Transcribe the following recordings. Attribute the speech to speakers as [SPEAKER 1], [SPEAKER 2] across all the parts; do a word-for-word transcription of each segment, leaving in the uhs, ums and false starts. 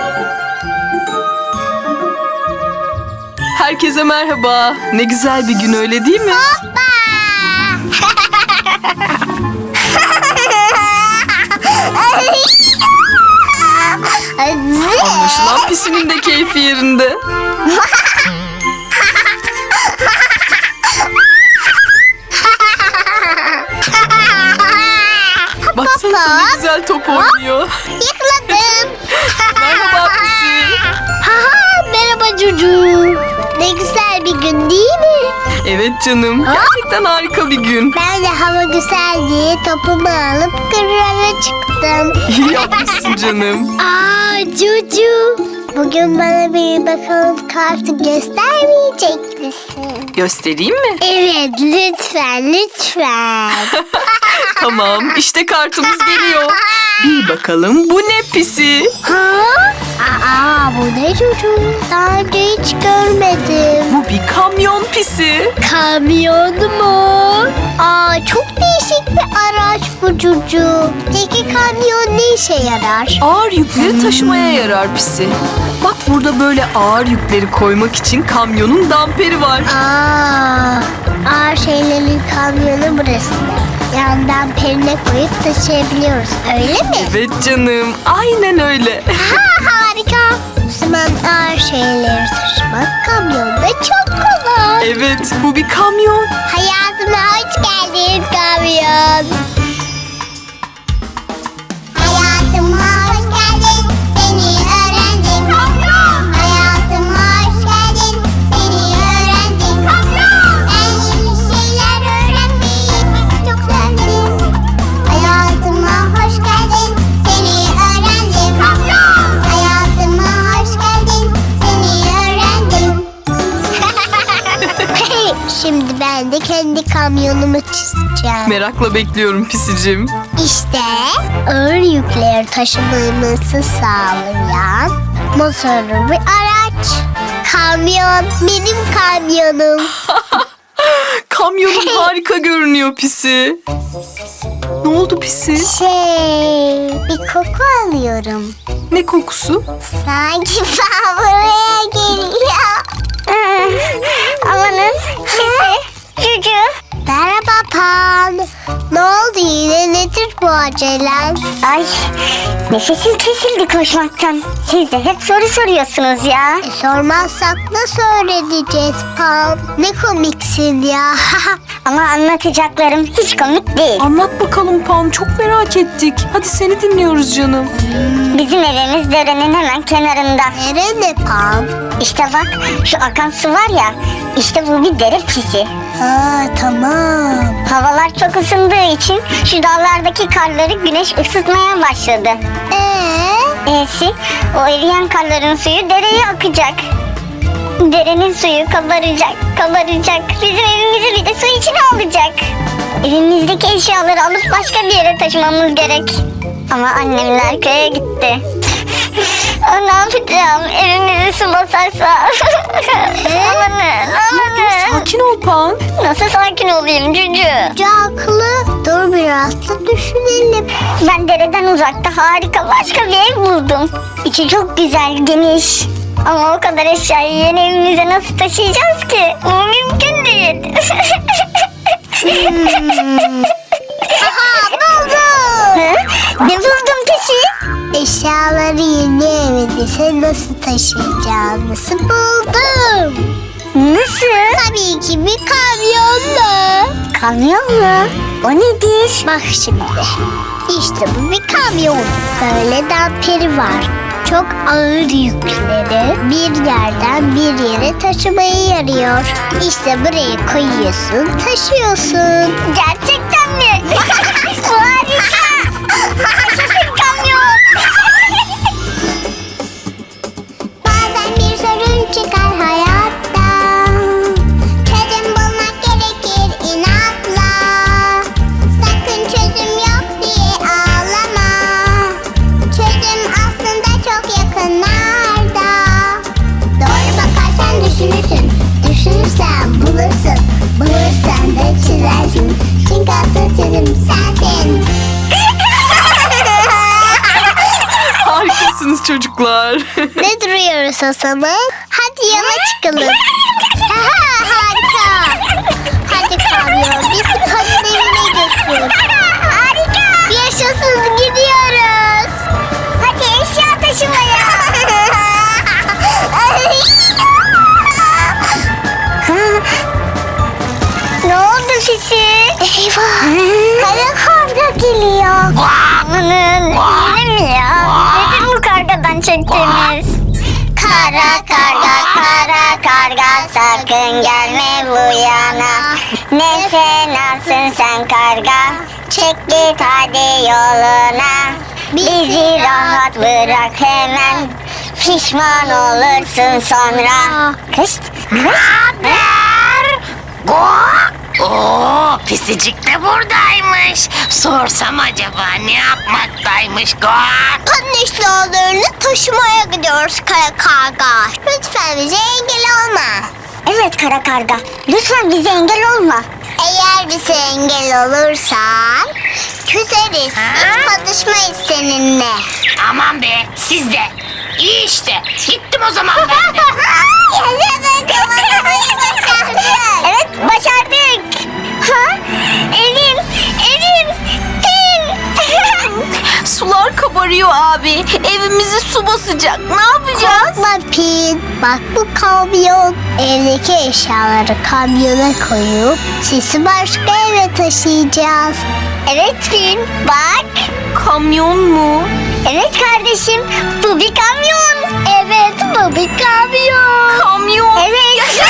[SPEAKER 1] Herkese merhaba. Ne güzel bir gün, öyle değil mi? Anlaşılan Pisi'nin de keyfi yerinde. Baksana ne güzel top oynuyor.
[SPEAKER 2] Yıkladım.
[SPEAKER 1] Merhaba Pisi.
[SPEAKER 2] Haha, merhaba Cucu. Ne güzel bir gün değil mi?
[SPEAKER 1] Evet canım. Gerçekten harika bir gün.
[SPEAKER 2] Ben de hava güzel diye topumu alıp kırlara çıktım.
[SPEAKER 1] İyi yapmışsın canım.
[SPEAKER 2] Aa Cucu. Bugün bana bir bakalım kartı göstermeyecek misin?
[SPEAKER 1] Göstereyim mi?
[SPEAKER 2] Evet, lütfen lütfen.
[SPEAKER 1] Tamam, işte kartımız geliyor. Bir bakalım bu ne Pisi?
[SPEAKER 2] Ha? Aa, bu ne Cucu? Daha önce hiç görmedim.
[SPEAKER 1] Bu bir kamyon Pisi.
[SPEAKER 2] Kamyon mu? Aa, çok değişik bir araç bu Cucu. Peki kamyon ne işe yarar?
[SPEAKER 1] Ağır yükleri taşımaya yarar Pisi. Bak burada böyle ağır yükleri koymak için kamyonun damperi var.
[SPEAKER 2] Aa, ağır şeylerin kamyonu burası. Yandan perine koyup taşıyabiliyoruz, öyle mi?
[SPEAKER 1] Evet canım, aynen öyle.
[SPEAKER 2] Ha, harika. O zaman ağır şeyleri taşımak kamyonda çok kolay.
[SPEAKER 1] Evet, bu bir kamyon.
[SPEAKER 2] Hayatıma hoş geldin kamyon. Hayatıma hoş geldin, seni öğrendim. Kamyon. Hayatıma hoş geldin, seni öğrendim. Kamyon. Ben yeni şeyler öğrenmeyi çok sevdim. Hayatıma hoş geldin, seni öğrendim. Kamyon. Hayatıma hoş geldin, seni öğrendim. Şimdi ben de kendi kamyonumu çizeceğim.
[SPEAKER 1] Merakla bekliyorum Pisicim.
[SPEAKER 2] İşte ağır yükleri taşımamızı sağlayan motorlu bir araç. Kamyon, benim kamyonum.
[SPEAKER 1] Kamyonun harika görünüyor Pisi. Ne oldu Pisi?
[SPEAKER 2] Şey, bir koku alıyorum.
[SPEAKER 1] Ne kokusu?
[SPEAKER 2] Sanki ben buraya geliyor. Amanın sesi. Cucu. Merhaba Pan. Ne oldu yine, nedir bu acelen?
[SPEAKER 3] Ay, nefesim kesildi koşmaktan. Siz de hep soru soruyorsunuz ya.
[SPEAKER 2] E, sormazsak nasıl öğreneceğiz Pan? Ne komiksin ya.
[SPEAKER 3] Ama anlatacaklarım hiç komik değil.
[SPEAKER 1] Anlat bakalım Pan, çok merak ettik. Hadi seni dinliyoruz canım.
[SPEAKER 3] Bizim evimiz derenin hemen kenarında.
[SPEAKER 2] Nerede Pan?
[SPEAKER 3] İşte bak, şu akan su var ya, işte bu bir dere Pisi.
[SPEAKER 2] Ha, tamam.
[SPEAKER 3] Havalar çok ısındığı için şu dağlardaki karları güneş ısıtmaya başladı.
[SPEAKER 2] Ee?
[SPEAKER 3] E'si, o eriyen karların suyu dereye akacak. Derenin suyu kabaracak, kabaracak. Bizim evimizi bir de su içine alacak. Evimizdeki eşyaları alıp başka bir yere taşımamız gerek. Ama annemler köye gitti. Aa, ne yapacağım? Evimizi su basarsa. Amanın, amanın.
[SPEAKER 1] Sakin ol Pan.
[SPEAKER 3] Nasıl sakin olayım Cücü?
[SPEAKER 2] Haklı. Dur biraz da düşünelim.
[SPEAKER 3] Ben dereden uzakta harika başka bir ev buldum. İçi çok güzel, geniş. Ama o kadar eşyayı yeni evimize nasıl taşıyacağız ki? Bu mümkün değil.
[SPEAKER 2] Aha, buldum.
[SPEAKER 3] Hı? Ne buldun Pisi?
[SPEAKER 2] Eşyaları yeni evinize nasıl taşıyacağınızı buldum.
[SPEAKER 3] Nasıl?
[SPEAKER 2] Tabii ki bir kamyonla.
[SPEAKER 3] Kamyon mu? O nedir?
[SPEAKER 2] Bak şimdi. İşte bu bir kamyon. Böyle damperi var. Çok ağır yükleri bir yerden bir yere taşımaya yarıyor. İşte buraya koyuyorsun, taşıyorsun.
[SPEAKER 3] Gerçekten mi? Bu harika. Yaşasın kamyon.
[SPEAKER 2] Bazen bir sorun çıkar hayatta. Çözüm bulmak gerekir inatla. Sakın çözüm yok diye ağlama. Çözüm aslında çok yakınlarda. Doğru bakarsan düşünürsün. Düşünürsen bulursun. Bulursan da çizersin. Çünkü asıl çözüm sensin.
[SPEAKER 1] misiniz çocuklar?
[SPEAKER 2] Ne duruyoruz o zaman? Hadi yola çıkalım. Aha, harika. Hadi kamyon bizi kadın evine götür.
[SPEAKER 3] Harika.
[SPEAKER 2] Yaşasın, gidiyoruz.
[SPEAKER 3] Hadi eşya taşımaya. Ne oldu Fisi?
[SPEAKER 2] Eyvah. Kara karga geliyor.
[SPEAKER 3] Amanın yine mi ya? Nedir bu kargadan çektiğimiz? Kara karga kara karga sakın gelme bu yana. Ne fenasın sen karga. Çek git hadi yoluna. Bizi rahat bırak hemen. Pişman olursun sonra. Kışt kışt.
[SPEAKER 4] Oo, pisicik de buradaymış. Sorsam acaba ne yapmaktaymış Guak?
[SPEAKER 2] Kadın eşyalarını taşımaya gidiyoruz kara karga. Lütfen bize engel olma.
[SPEAKER 3] Evet kara karga. Lütfen bize engel olma.
[SPEAKER 2] Eğer bize engel olursan küseriz. Hiç konuşmayız seninle.
[SPEAKER 4] Aman be siz de. İyi işte. Gittim o zaman ben de.
[SPEAKER 3] Evet başardık. Ha? Evim, evim, evim.
[SPEAKER 1] Sular kabarıyor abi. Evimizi su basacak. Ne yapacağız?
[SPEAKER 2] Korkma Pin. Bak bu kamyon. Evdeki eşyaları kamyona koyup sizi başka eve taşıyacağız.
[SPEAKER 3] Evet Finn bak.
[SPEAKER 1] Kamyon mu?
[SPEAKER 3] Evet kardeşim bu bir kamyon. Evet bu bir kamyon.
[SPEAKER 1] Kamyon.
[SPEAKER 3] Evet.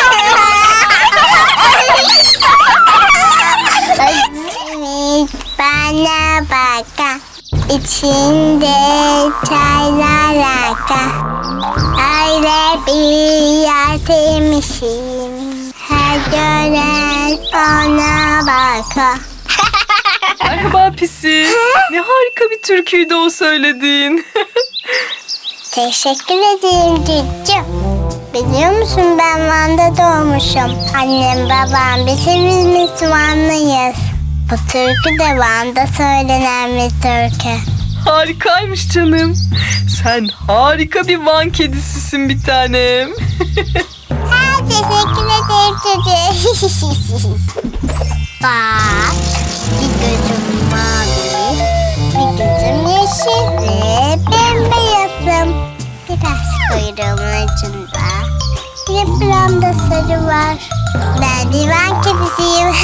[SPEAKER 2] Bana baka. İçinde çaylar aka. Öyle bir yer sevmişim. Her gören ona baka.
[SPEAKER 1] Merhaba Pisi. Ne harika bir türküydü o söylediğin.
[SPEAKER 2] Teşekkür ederim Cüccü. Biliyor musun ben Van'da doğmuşum. Annem babam biz hepimiz Vanlıyız. Bu türkü de Van'da söylenen bir türkü.
[SPEAKER 1] Harikaymış canım. Sen harika bir Van kedisisin bir tanem.
[SPEAKER 2] Ha, teşekkür ederim Cüccü. Bak, bir gözüm mavi, bir gözüm yeşil ve bembeyazım. Biraz kuyruğumun ucunda, bir de buramda sarı var. Ben bir Van kedisiyim.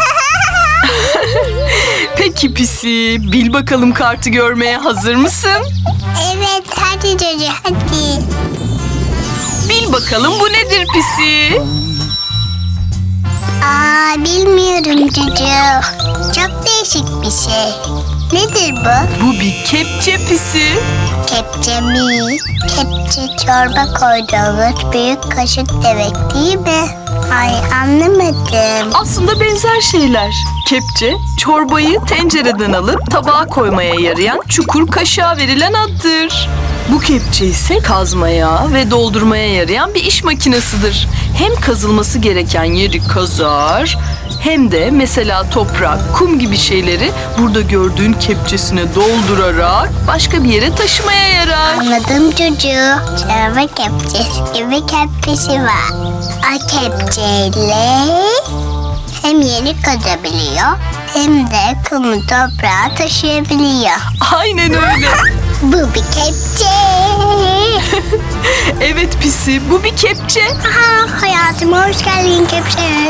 [SPEAKER 1] Peki Pisi, bil bakalım kartı görmeye hazır mısın?
[SPEAKER 2] Evet, hadi Cüccü, hadi.
[SPEAKER 1] Bil bakalım bu nedir Pisi?
[SPEAKER 2] Aa, bilmiyorum Cüccü. Çok değişik bir şey. Nedir bu?
[SPEAKER 1] Bu bir kepçe Pisi.
[SPEAKER 2] Kepçe mi? Kepçe çorba koyduğumuz büyük kaşık demek değil mi? Ay anlamadım.
[SPEAKER 1] Aslında benzer şeyler. Kepçe, çorbayı tencereden alıp tabağa koymaya yarayan çukur kaşığa verilen addır. Bu kepçe ise kazmaya ve doldurmaya yarayan bir iş makinesidir. Hem kazılması gereken yeri kazar, hem de mesela toprak, kum gibi şeyleri burada gördüğün kepçesine doldurarak başka bir yere taşımaya yarar.
[SPEAKER 2] Anladım çocuğu. Çorba kepçesi gibi kepçesi var. O kepçeyle hem yeri kazabiliyor hem de kumu toprağa taşıyabiliyor.
[SPEAKER 1] Aynen öyle.
[SPEAKER 2] Bu bir kepçe.
[SPEAKER 1] Evet Pisi, bu bir kepçe.
[SPEAKER 2] Aha, hayatıma hoş geldin kepçe.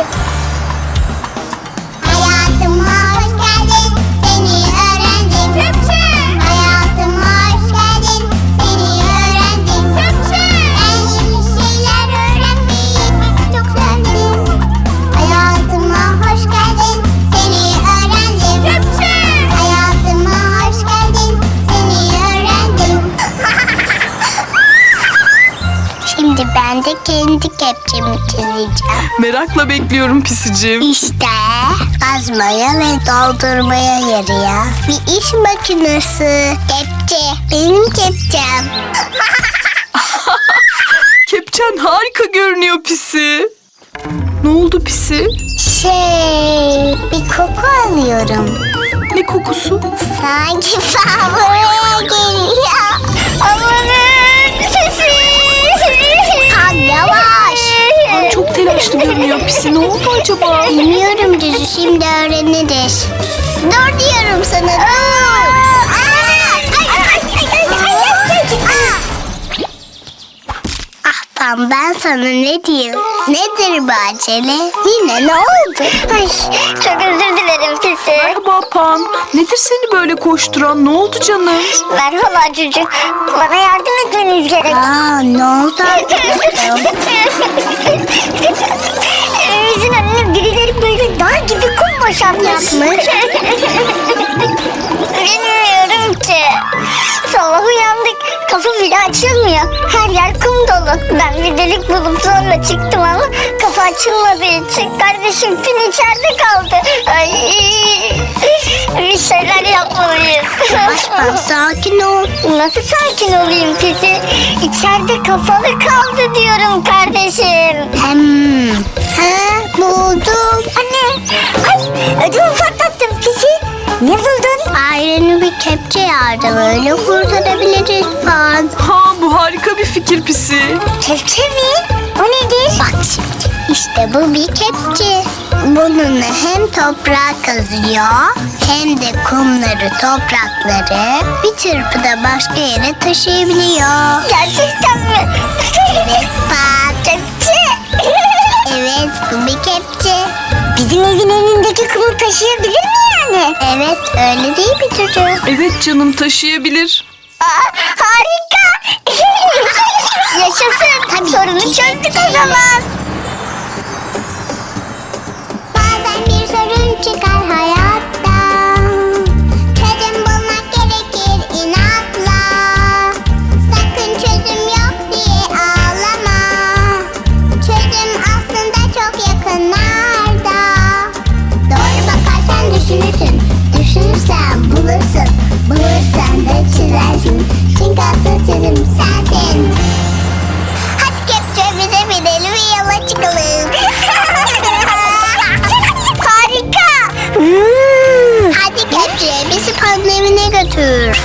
[SPEAKER 2] Hayatıma hoş geldin, seni öğrendim. Kepçe. Hayatıma hoş geldin, seni öğrendim. Kepçe. Ben yeni şeyler öğrenmeyi çok sevdim. Hayatıma hoş geldin, seni öğrendim. Kepçe. Hayatıma hoş geldin, seni öğrendim. Şimdi ben de kendi kepçemi çizeceğim.
[SPEAKER 1] Merakla bekliyorum Pisicim.
[SPEAKER 2] İşte kazmaya ve doldurmaya yarıyor bir iş makinesi. Kepçe. Benim kepçem.
[SPEAKER 1] Kepçen harika görünüyor Pisi. Ne oldu Pisi?
[SPEAKER 2] Şey, bir koku alıyorum.
[SPEAKER 1] Ne kokusu?
[SPEAKER 2] Sanki ben buraya geliyor. Ama
[SPEAKER 1] telaşlı görünüyor Pisi. Ne oldu acaba?
[SPEAKER 2] Bilmiyorum Cücü, şimdi öğreniriz. Dur diyorum sana, dur. Ah Pam, ben sana ne diyeyim? Nedir bu acele? Yine ne oldu?
[SPEAKER 3] Ay, çok özür dilerim Pisi.
[SPEAKER 1] Merhaba Pam. Nedir seni böyle koşturan? Ne oldu canım?
[SPEAKER 3] Merhaba Cücü. Bana yardım etmeniz gerek.
[SPEAKER 2] Aa, ne oldu?
[SPEAKER 3] Evimizin önüne birileri böyle dağ gibi kum boşaltmış.
[SPEAKER 2] Yapmış.
[SPEAKER 3] Bilmiyorum ki. Sabah uyandık. Kapı bile açılmıyor. Her yer kum dolu. Ben bir delik bulup sonra çıktım ama kapı açılmadığı için kardeşim Pin içeride kaldı. Ay, bir şeyler yapmalıyız.
[SPEAKER 2] Yavaş Pam, sakin ol.
[SPEAKER 3] Nasıl sakin olayım Pisi? İçeride kapalı kaldı diyorum kardeşim.
[SPEAKER 2] Hem, ha, buldum.
[SPEAKER 3] Anne, ay ödümü patlattım Pisi. Ne buldun?
[SPEAKER 2] Aileni bir kepçe yardım, öyle kurtarabiliriz Pan.
[SPEAKER 1] Ha, bu harika bir fikir Pisi.
[SPEAKER 3] Kepçe mi? O nedir?
[SPEAKER 2] Bak şimdi, işte bu bir kepçe. Bununla hem toprağı kazıyor hem de kumları, toprakları bir çırpıda başka yere taşıyabiliyor.
[SPEAKER 3] Gerçekten mi?
[SPEAKER 2] Evet Pan.
[SPEAKER 3] Kepçe.
[SPEAKER 2] Evet, bu bir kepçe.
[SPEAKER 3] Bizim evin önündeki kumu taşıyabilir mi yani?
[SPEAKER 2] Evet, öyle değil mi çocuğum?
[SPEAKER 1] Evet canım, taşıyabilir.
[SPEAKER 3] Aa, harika. Yaşasın.
[SPEAKER 2] Tabii
[SPEAKER 3] Sorunu
[SPEAKER 2] ki.
[SPEAKER 3] çözdük o zaman.
[SPEAKER 2] Bazen bir sorun çıkar hayatta. Çözüm bulmak gerekir inatla. Sakın çözüm yok diye ağlama. Çözüm aslında çok yakınlarda. Doğru bakarsan düşünürsün. Düşünürsen bulursun. Bulursan da çizersin. Çünkü asıl çözüm sensin. Hadi kepçe, bize binelim ve yola çıkalım.
[SPEAKER 3] Harika. Hmm.
[SPEAKER 2] Hadi kepçe, bizi Pan'ın evine götür.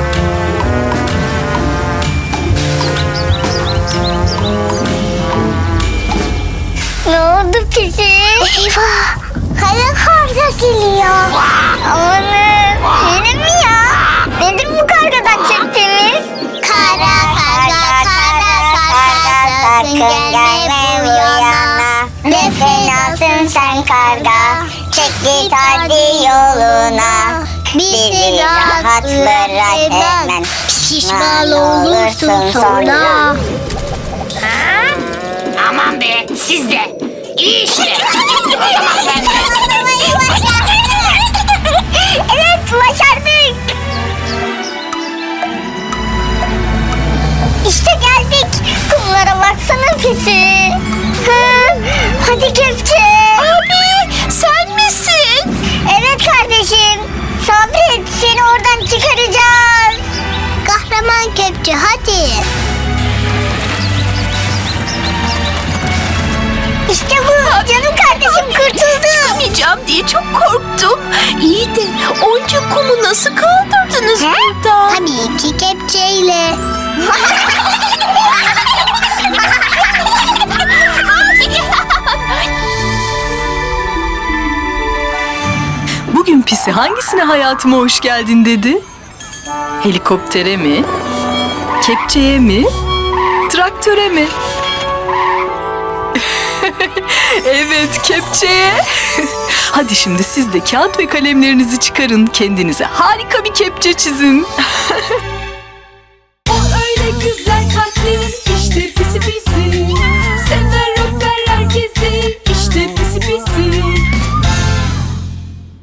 [SPEAKER 3] Ne oldu Pisi?
[SPEAKER 2] Eyvah! Kara karga geliyor.
[SPEAKER 3] Amanın yine mi ya? Nedir bu kargadan çektiğimiz?
[SPEAKER 2] Kara karga, kara karga, sakın gelme bu yana. Ne fenasın sen karga, çek git hadi yoluna. Bizi rahat bırak hemen, pişman olursun sonra.
[SPEAKER 4] Aman be, siz de. İyi işte. Gittim o zaman ben de.
[SPEAKER 3] Evet, başardık. İşte geldik. Kumlara baksana Pisi. Hı, hadi kepçe. Abi sen misin? Evet kardeşim. Sabret, seni oradan çıkaracağız.
[SPEAKER 2] Kahraman kepçe, hadi.
[SPEAKER 3] İşte bu. Canım kardeşim kurtuldu.
[SPEAKER 1] Çıkamayacağım diye çok korktum. İyi de onca kumu nasıl kaldırdınız
[SPEAKER 3] He?
[SPEAKER 1] burada?
[SPEAKER 2] Tabii ki kepçeyle.
[SPEAKER 1] Bugün Pisi hangisine hayatıma hoş geldin dedi? Helikoptere mi? Kepçeye mi? Traktöre mi? Evet, kepçeye. Hadi şimdi siz de kağıt ve kalemlerinizi çıkarın. Kendinize harika bir kepçe çizin.